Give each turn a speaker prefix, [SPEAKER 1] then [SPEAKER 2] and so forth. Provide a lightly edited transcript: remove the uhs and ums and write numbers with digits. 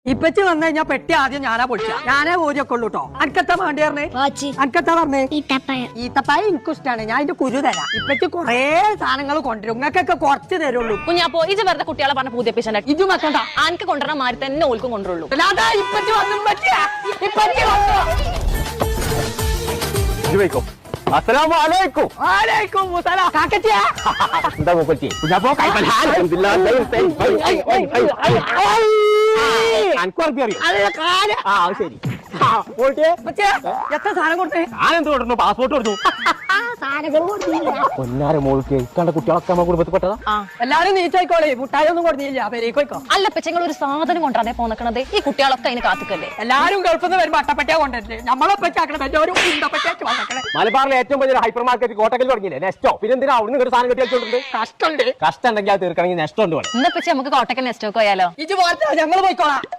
[SPEAKER 1] ഇപ്പച്ചി വന്നു കഴിഞ്ഞാൽ പെട്ടി ആദ്യം ഞാനാ പൊളിച്ച ഞാനേ ഊരിയൊക്കെ ഉള്ളൂ കേട്ടോ. അനക്കത്താ വേണ്ടി പറഞ്ഞേ? അനക്കത്താ പറഞ്ഞേ? ഈത്തപ്പായ എനിക്കും ഇഷ്ടമാണ്. ഞാൻ അതിന്റെ കുരു തരാം. ഇപ്പച്ചി കൊറേ സാധനങ്ങൾ കൊണ്ടുവരും. നിങ്ങൾക്കൊക്കെ കുറച്ച് തരുള്ളൂ.
[SPEAKER 2] കുഞ്ഞാപ്പോ ഇത് വെറുതെ കുട്ടികളെ പറഞ്ഞ പുതിയ പേശണ്ട.
[SPEAKER 1] ഇതും വെക്കണ്ട.
[SPEAKER 2] ആനക്ക് കൊണ്ടുവരണ മാറി തന്നെ ഓൽക്കും കൊണ്ടുള്ളൂ.
[SPEAKER 1] അല്ലാതെ ഇപ്പച്ചി വന്നു പറ്റിയ ഇപ്പച്ചി വന്നു.
[SPEAKER 3] അസ്സലാമലൈക്കും.
[SPEAKER 1] വാലൈക്കും മുസലാം. കാക്കച്ചിയാ
[SPEAKER 3] എന്താ മൂപ്പത്തി? കുഞ്ഞാപ്പോ ശരി
[SPEAKER 1] എത്ര സാധനം കൊടുത്തേ?
[SPEAKER 3] ഞാനെന്ത് കൊടുത്തു? പാസ്പോർട്ട് കൊടുത്തു. പൊന്നാര മോൾക്ക് ഇക്കാണ്ട കുട്ടികളൊക്കെ നമ്മുടെ കുടുംബത്തിൽപ്പെട്ടതാ.
[SPEAKER 1] എല്ലാരും നീച്ചായിക്കോളെ. മുട്ടായി ഒന്നും കൊടുത്തില്ല. പെരേക്കോയ്ക്കോ.
[SPEAKER 2] അല്ല പെച്ചങ്ങൾ ഒരു സാധനം കൊണ്ടാതെ പോന്നക്കണത്. ഈ കുട്ടികളൊക്കെ അതിന് കാത്തുക്കല്ലേ.
[SPEAKER 1] എല്ലാരും ഗൾഫിൽ നിന്ന് വരുമ്പോ അട്ടപ്പറ്റിയാ കൊണ്ടുവരില്ലേ? നമ്മളൊപ്പച്ചാക്കണ ഒരു ഉണ്ടപ്പറ്റിയാ വന്നേക്കണേ.
[SPEAKER 3] മലബാറിലെ ഏറ്റവും വലിയ ഹൈപ്പർ മാർക്കറ്റ് കോട്ടക്കൽ തുടങ്ങിയില്ലേ നെസ്റ്റോ? പിന്നെ എന്തിനാ അവിടുന്ന് ഒരു സാധനം കെട്ടി വെച്ചോണ്ട്
[SPEAKER 1] കഷ്ടമുണ്ട്.
[SPEAKER 3] കഷ്ടം ഉണ്ടെങ്കിൽ അത് തീർക്കണമെങ്കിൽ നെസ്റ്റോ ഉണ്ട്.
[SPEAKER 2] ഇന്നപ്പച്ചി നമുക്ക് കോട്ടക്കൽ നെസ്റ്റോക്ക് പോയാലോ?
[SPEAKER 1] ഇത് പോലത്തെ ഞങ്ങൾ പോയിക്കോളാം.